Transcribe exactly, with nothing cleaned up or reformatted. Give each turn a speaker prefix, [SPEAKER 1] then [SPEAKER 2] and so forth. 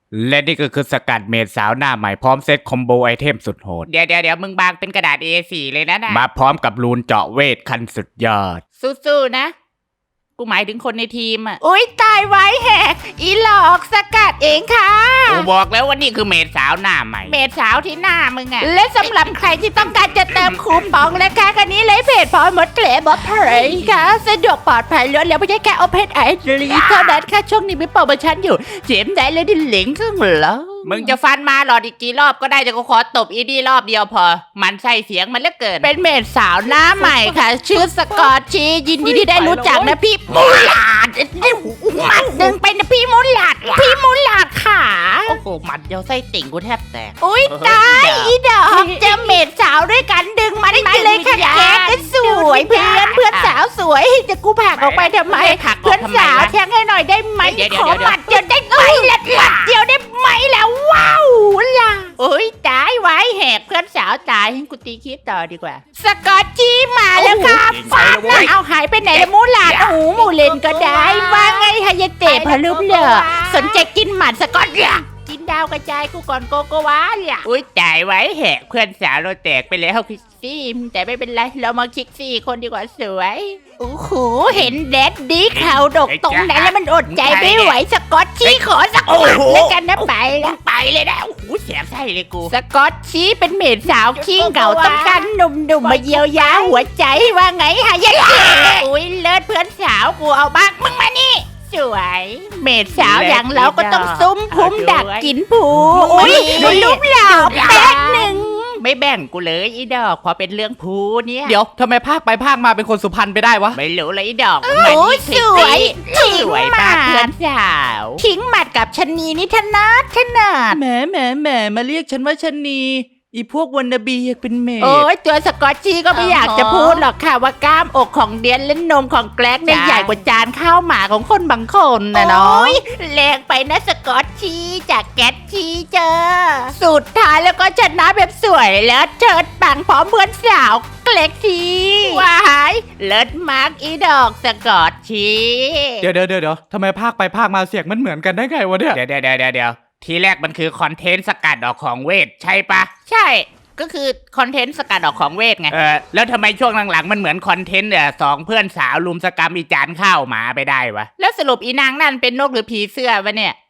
[SPEAKER 1] และนี่ก็คือสกัดเมดสาวหน้าใหม่พร้อมเซตคอมโบไอเทมสุดโหดเดี๋ยวเดี๋ยวเดี๋ยวมึงบางเป็นกระดาษ เอ โฟร์ เลยนะนะมาพร้อมกับรูนเจาะเวทคันสุดยอดสู้ๆนะกูหมายถึงคนในทีมอ่ะ
[SPEAKER 2] อุ้ยตายไว้แหกอีหลอกสกัดเองค่ะ
[SPEAKER 1] กูบอกแล้วว่านี่คือเมดสาวหน้าใหม่
[SPEAKER 2] เมดสาวที่หน้ามึงอ่ะและสำหรับใครที่ต้องการจะเติมคูปองนะคะคันนี้เลยเพจพอมดเกลบอสเพย์ค่ะสะดวกปลอดภัยรวดเร็วไม่ใช่แค่โอเพนไอรีเท่านั้นค่ะช่วงนี้มีโปรโมชั่นอยู่เจมได้เลยดิลิงก์ข้างหลัง
[SPEAKER 1] มึงจะฟันมาหลอดอีกกี่รอบก็ได้จะกูขอตบอีดีรอบเดียวพอมันใส่เสียงมันเหลือเกิน
[SPEAKER 2] เป็นเมดสาวหน้าใหม่ค่ะชื่อสกอตชียินดีที่ได้รู้จักนะพี่มูลาดมัดดึงไปนะพี่มูลาดพี่มูลาดค่ะ
[SPEAKER 1] โอ้โหมัดเดียวไส้ติ่งกูแทบแตก
[SPEAKER 2] อุ้ยตายอีดอกเจอเมดสาวด้วยกันดึงมันมาเลยค่ะแกก็สวยเพื่อนเพื่อนสาวสวยจะกูผลักออกไปทำไมเพื่อนสาวแทงให้หน่อยได้ไหมขอหมัดเดียวได้ไหมละหมัดเดียวได้ไหมแล้วว้าวล่ะโอ้ยตายไว้แหกเพื่อนสาวตายให้กูตีคลิปต่อดีกว่าสกอตจี้มาแล้วครับฟาดนะเอาหายไปไหนละมูลาดโอ้โหมูเลนก็ได้ว่าไงฮายาเตะพลุบเลยสนใจกินหมัดสกอตล่ะกินดาวกระจายกูก่อนโกโกวาเนี่ย
[SPEAKER 1] อุ้ยจ่ายไว้แหกเพื่อนสาวเราแตกไปแล้ว
[SPEAKER 2] คิกซี่แต่ไม่เป็นไรเรามาคิกซี่คนดีกว่าสวยโอ้โหเห็นแดดดีข่าวดกตรงนั้นแล้วมันอดใจไม่ไหวสกอตชี้ขอสักหมัดแล้วกันนะไปละ
[SPEAKER 1] ไปเลยนะโอ้โหเสียไส้เลยกู
[SPEAKER 2] สกอตชี้เป็นเมดสาวขี้เก่าต้องการหนุ่มๆมาเยียวยาหัวใจว่าไงฮะยัยอุ้ยเลิศเพื่อนสาวกูเอาบ้างมึงมานี่สวยเมดสาวอย่างเราก็ต้องซุ้มพุ่มดักกินผูอุ้ยลูกหล่อแป๊กหนึ่ง
[SPEAKER 1] ไม่แบ่งกูเลยอีดอกพอเป็นเรื่องพูเนี่ย
[SPEAKER 3] เดี๋ยวทำไมภาคไปภาคมาเป็นคนสุพรรณไปได้วะ
[SPEAKER 1] ไม่รู้เลยอีดอก
[SPEAKER 2] โอ้ยสวย
[SPEAKER 1] สวยมากเพื่อนสาว
[SPEAKER 2] ทิ้งหมัดกับชนีนี่ถนัดถนัด
[SPEAKER 3] แหมแหมแหมมาเรียกฉันว่าชนีอีพวกวันนาบีอยากเป็นเมด
[SPEAKER 2] โอ้ยตัวสกอตจี้ก็ไม่อยากจะพูดหรอกค่ะว่ากล้ามอกของเดียนและนมของแกลกเนี่ยใหญ่กว่าจานข้าวหมาของคนบางคนนะเนาะแรงไปนะสกอตจี้จากแกตจี้เจอสุดท้ายแล้วก็ชนะแบบสวยแล้วเชิดปังพร้อมเพื่อนสาวแกลกจี้ว้ายเลิศมากอีดอกสกอตจี้
[SPEAKER 3] เดี๋ยวเดี๋ยวเดี๋ยวทำไมภาคไปภาคมาเสียงมันเหมือนกันได้ไงวะเนี่ย
[SPEAKER 1] เดี๋ยวเดี๋ยวเดี๋ยวเดี๋ยวทีแรกมันคือคอนเทนต์สกัดออกของเวทใช่ปะ
[SPEAKER 2] ใช่ก็คือคอนเทนต์สกัดออกของเวทไง
[SPEAKER 1] เออแล้วทำไมช่วงหลังๆมันเหมือนคอนเทนต์เนี่ยสองเพื่อนสาวลุมสกรรมอีจานข้าวหมาไปได้วะ
[SPEAKER 2] แล้วสรุปอีนางนั่นเป็นนกหรือผีเสื้อวะเนี่ย